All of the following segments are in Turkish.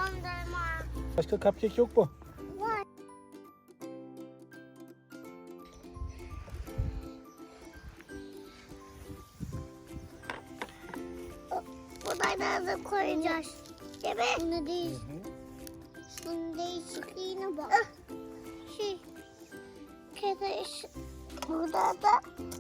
Dondurma. Başka cupcake yok mu? Var. Bunları da koyacağız. Değil mi? Bunu değil. Şunun değişikliğine bak. Kere burada da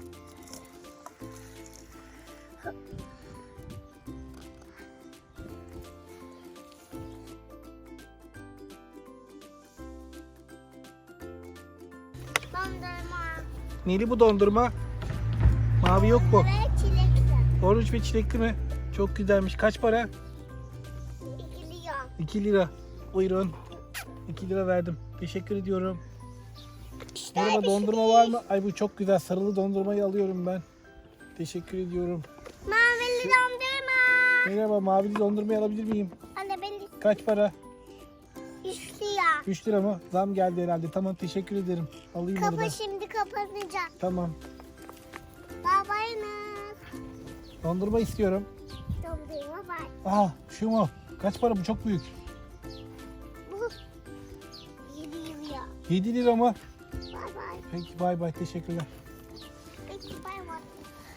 dondurma. Neli bu dondurma? Mavi yok mu? Ve çilekli. Orange ve çilekli mi? Çok güzelmiş. Kaç para? 2 lira. 2 lira. Buyurun. 2 lira verdim. Teşekkür ediyorum. Merhaba, dondurma var mı? Ay bu çok güzel. Sarılı dondurmayı alıyorum ben. Teşekkür ediyorum. Mavili dondurma. Merhaba, mavili dondurmayı alabilir miyim? Anne ben Kaç para? 3 lira. 3 lira mı? Zam geldi herhalde. Tamam, teşekkür ederim. Alayım onu da. Kapı şimdi kapanacak. Tamam. Babayla. Dondurma istiyorum. Dondurma var. Aha, şu mu? Kaç para bu? Çok büyük. Bu 7 lira. 7 lira mı? Bay bay. Peki, bay bay. Teşekkürler. Peki bay bay.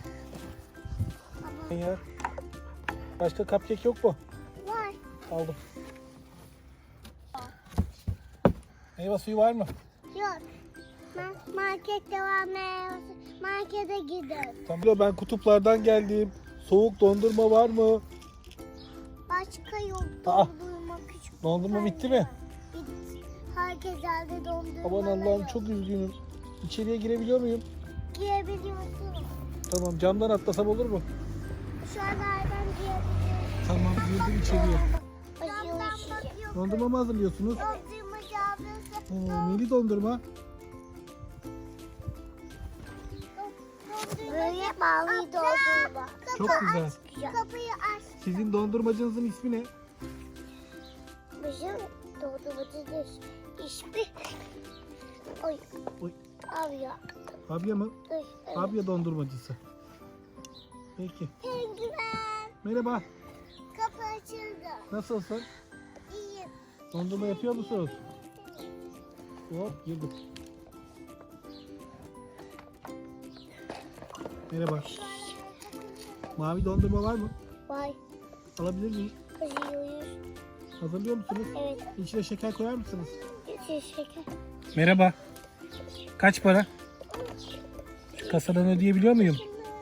Ya. Başka cupcake yok mu? Var. Aldım. Meyve suyu var mı? Yok. Markette var meyvesi. Markete gidelim. Tamam. Ben kutuplardan geldim. Soğuk dondurma var mı? Başka yok Aa, dondurma küçük. Dondurma bitti mi? Bitti. Herkes aldı dondurma. Aman Allah'ım, çok üzgünüm. İçeriye girebiliyor muyum? Girebiliyorsun. Tamam, camdan atlasam olur mu? Şu an nereden girebiliyorsun? Tamam, girdim içeriye. Camdan Dondurma mı hazırlıyorsunuz? Dondurma ablası. Neli dondurma? Böyle mavi dondurma. Çok güzel. Kapıyı aç. Sizin dondurmacınızın ismi ne? Bizim dondurmacının ismi. Oy. Oy. Abi ya. Fabia mı? Oy. Fabia dondurmacısı. Peki. Penguen. Merhaba. Kapı açıldı. Nasılsın? İyiyim. Dondurma yapıyor musunuz? Hop, girdim. Merhaba. Mavi dondurma var mı? Vay. Alabilir miyim? Kızıyoruz. Hazırlıyor musunuz? Evet. İçine şeker koyar mısınız? Şeker. Merhaba. Kaç para? Kasadan ödeyebiliyor muyum?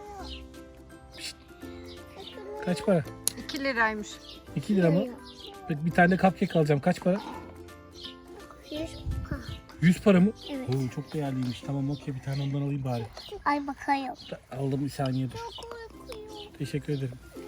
Kaç para? 2 liraymış. 2 lira mı? Peki, bir tane de cupcake alacağım. Kaç para? 100 para mı? Evet. Oo, çok değerliymiş. Tamam, okey, bir tane ondan alayım bari. Ay bakayım. Aldım, bir saniye dur. Teşekkür ederim.